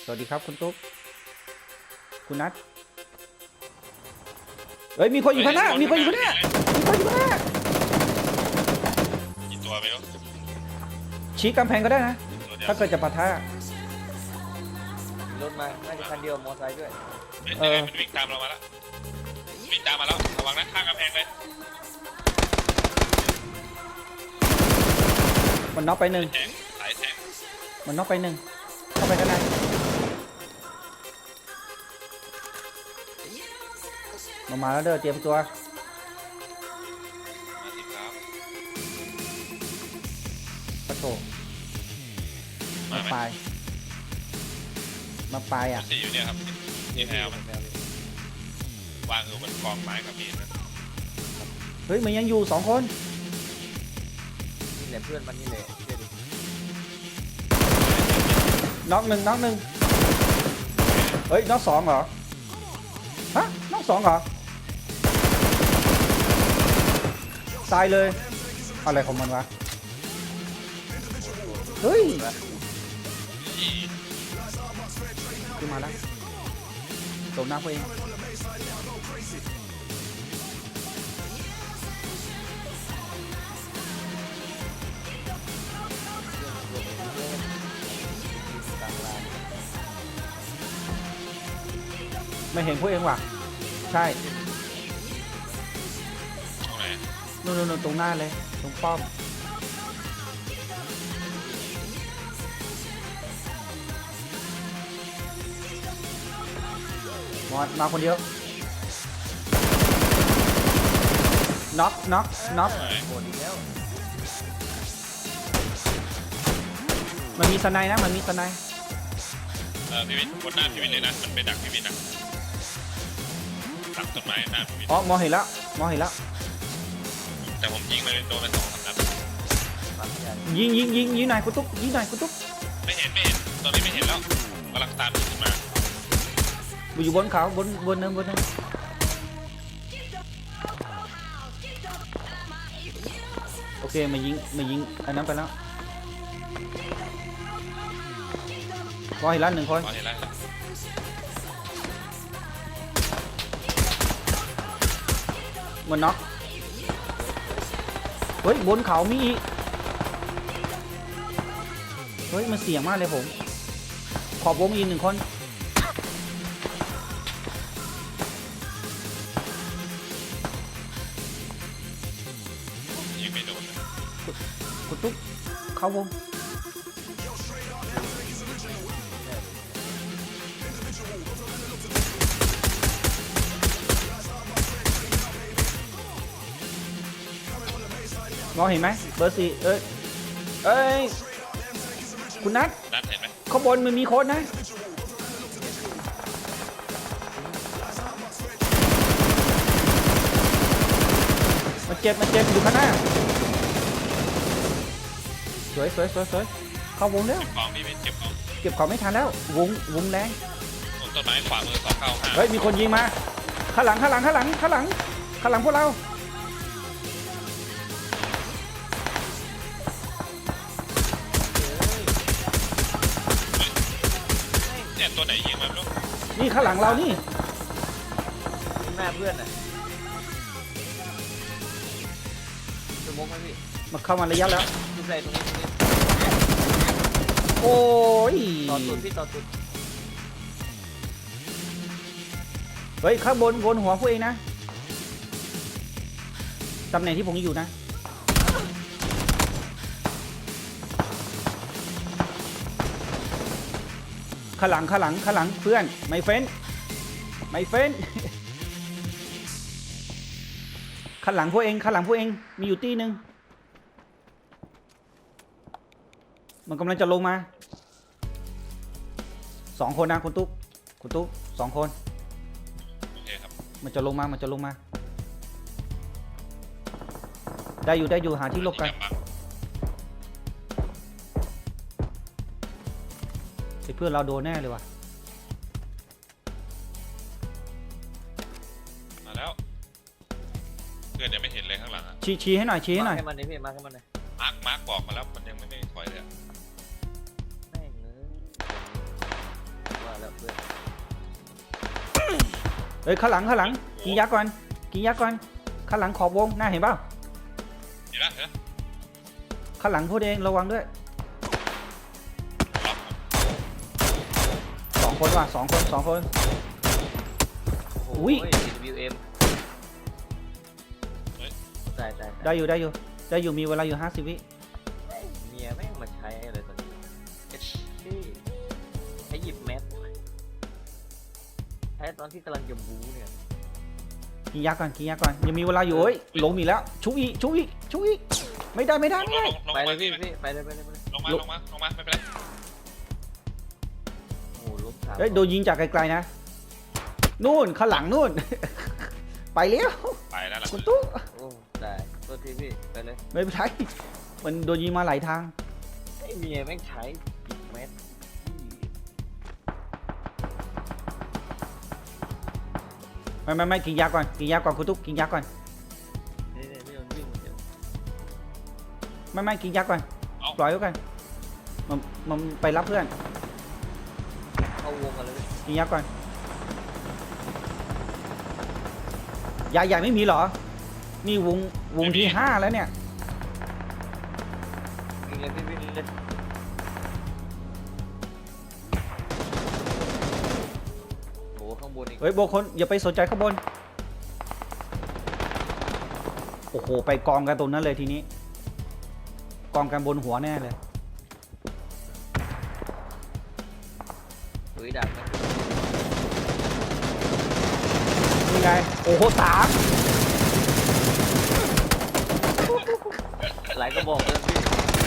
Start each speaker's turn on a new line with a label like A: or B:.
A: วัสดีครับคุณตุ๊กคุณนัทเฮ้ยมีคนอยู่ข้างหน้ามีคนอยู่ข้างหน้ามีคนอยู่ข้างหน้า
B: กี่ตัวไม่รู้
A: ชี้กำแพงก็ได้นะถ้าเกิดจะปะทะ
C: รถมาน่าจะคันเดียวมอไซค์ด้วย
B: มันวิ่งตามเรามาแล้ววิ่งตามมาแล้วระวังนะข้างกำแพงเลย
A: มันน็อกไปหนึ่ง
B: สายแทง
A: มันน็อกไปหนึ่งเข้าไปข้างในมาแล้วเด้อเตรียมตัว
B: มาสิครับ
A: ปะโถมาปลายอ่ะ
B: สี่อยู่เนี่ยครับนี่แอลมันวางมันกองไม้กับมีดนะ
A: เฮ้ยมันยังอยู่2 คน
C: นี่แหละเพื่อนมันนี่แหละ
A: น็อกหนึ่งเฮ้ยน็อก2เหรอฮะน็อก2เหรอตายเลยอะไรของมันวะเฮ้ยขึ้นมาแล้วตรงหน้าตัวเองไม่เห็นพวกเองว่ะใช่
B: ตรงไหน
A: นู่นตรงหน้าเลยตรงป้อมมาคนเดียวน็อก
C: โหดอีกแล้ว
A: มันมีสไนนะมันมีสไน
B: พี่วินบนหน้าพี่วินเลยนะมันไปดักพี่วินนะดักต้นไม้หน้าพี่วิน
A: อ๋อมองเห็นแล้ว
B: แต่ผมยิงเลยโดนไป2-3 นัด
A: ยิงหน่อยกุตุ๊ก
B: ไม่เห็นตอนนี้ไม่เห็นแล้วกำลังตามขึ้นมา
A: อยู่บนเขาบนเนินโอเคมายิงอันนั้นไปแล้วพอเห็นแล้ว1 คนมันน็อกเฮ้ยบนเขามีอีกเฮ้ยมันเสี่ยงมากเลยผมขอบวงอีก1 คน
B: ยิงไม่โดน
A: กุตุ๊กเข้าวงมองเห็นไหมเบอร์ 4เอ้ยคุณนัท
B: เห็นไหม
A: ข้างบนมันมีโค้ดนะมันเจ็บอยู่ข้างหน้าสวยเข้าวงแล้วเก็บของไม่ทันแล้ววงแรง
B: ต้นไม้ขวามือ295
A: เฮ้ยมีคนยิงมาข้างหลังพวกเรา
B: เนี่ยตัวไหนยิงมาลูก
A: นี่ข้างหลังเรานี่
C: แม่เพื่อนน่ะจะมกไหมพี่
A: มาเข้ามาระยะแล้ว
C: ดูใจตรงนี้
A: โอ้ย
C: ต่อตุด
A: เฮ้ยข้างบนหัวพวกเองนะตำแหน่งที่ผมอยู่นะข้างหลังเพื่อนไม่เฟ้นข้างหลังพวกเองมีอยู่ตีหนึ่งมันกำลังจะลงมา2 คนนะคุณตุ๊ก2 คน
B: โอเคครับ
A: มันจะลงมาได้อยู่หาที่หลบกันเพื่อนเราโดนแน่เลยว่ะ
B: มาแล้วเพื่อนยังไม่เห็นเลยข้างหลัง
A: ชี้ให้หน่อย
C: มาให้มันเลยพี่มาให้มันเลย
B: มาร์คบอกมาแล้วมันยังไม่ถอยเลย
C: แม่งเลยแล้วเพื่อน
A: เฮ้ยข้างหลังกินยาก่อนกินยาก่อนข้างหลังขอบวงน่าเห็นเปล่า
B: เห็นแล้วเห็นแล้ว
A: ข้างหลังพูดเองระวังด้วย
B: รับ
A: สองคนว่ะสองคน
C: โอ้โห
A: อุ้ย
C: WM ตาย
A: ได้อยู่มีเวลาอยู่50 วิ
C: เมียแม่งมาใช้อะไรตอนนี้เอ็ดที่ให้หยิบแมสใช้ตอนที่กำลังจะบู๊เนี่ย
A: กินยาก่อนยังมีเวลาอยู่เฮ้ยหลงอีกแล้วชุบอีกไม่ได้
B: ลง
C: ไปเลย
B: มา
C: พี่
B: พี่
C: ไปเลย
B: ลงมาไม่เป็นไร
C: โอ้โหลบสาม
A: เฮ้ยโดนยิงจากไกลๆนะนู่นข้างหลังนู่น ไปแล้ว
B: ไปแล้วล่ะ
A: คุณตุ๊ก
C: โอ้ตายตัวทีพี่ไปเลย
A: ไม่เป็นไรมันโดนยิงมาหลายทาง
C: ไอ้เมียแม่งใช้หยิบแมส
A: ไม่กินยาก่อนคุณตุ๊กกินยาก่อน
C: นี่พี่โดนวิ่งเดี๋ยว
A: ไม่กินยาก่อนปล่อยไว้ก่อนมันไปรับเพื่อน
C: เข้าวงกันเลยพี่
A: กินยาก่อนยาใหญ่ไม่มีเหรอนี่วงที่5แล้วเนี่ย
C: วิ่งเลยพี่วิ่งเลยโอ้ข้างบนอีก
A: เฮ้ยโบคนอย่าไปสนใจข้างบนโอ้โหไปกองกันตรงนั้นเลยทีนี้กองกันบนหัวแน่เลย
C: ถุยดักนะ
A: นี่ไงโอ้โห3
C: หลายก็บอกเลยพี่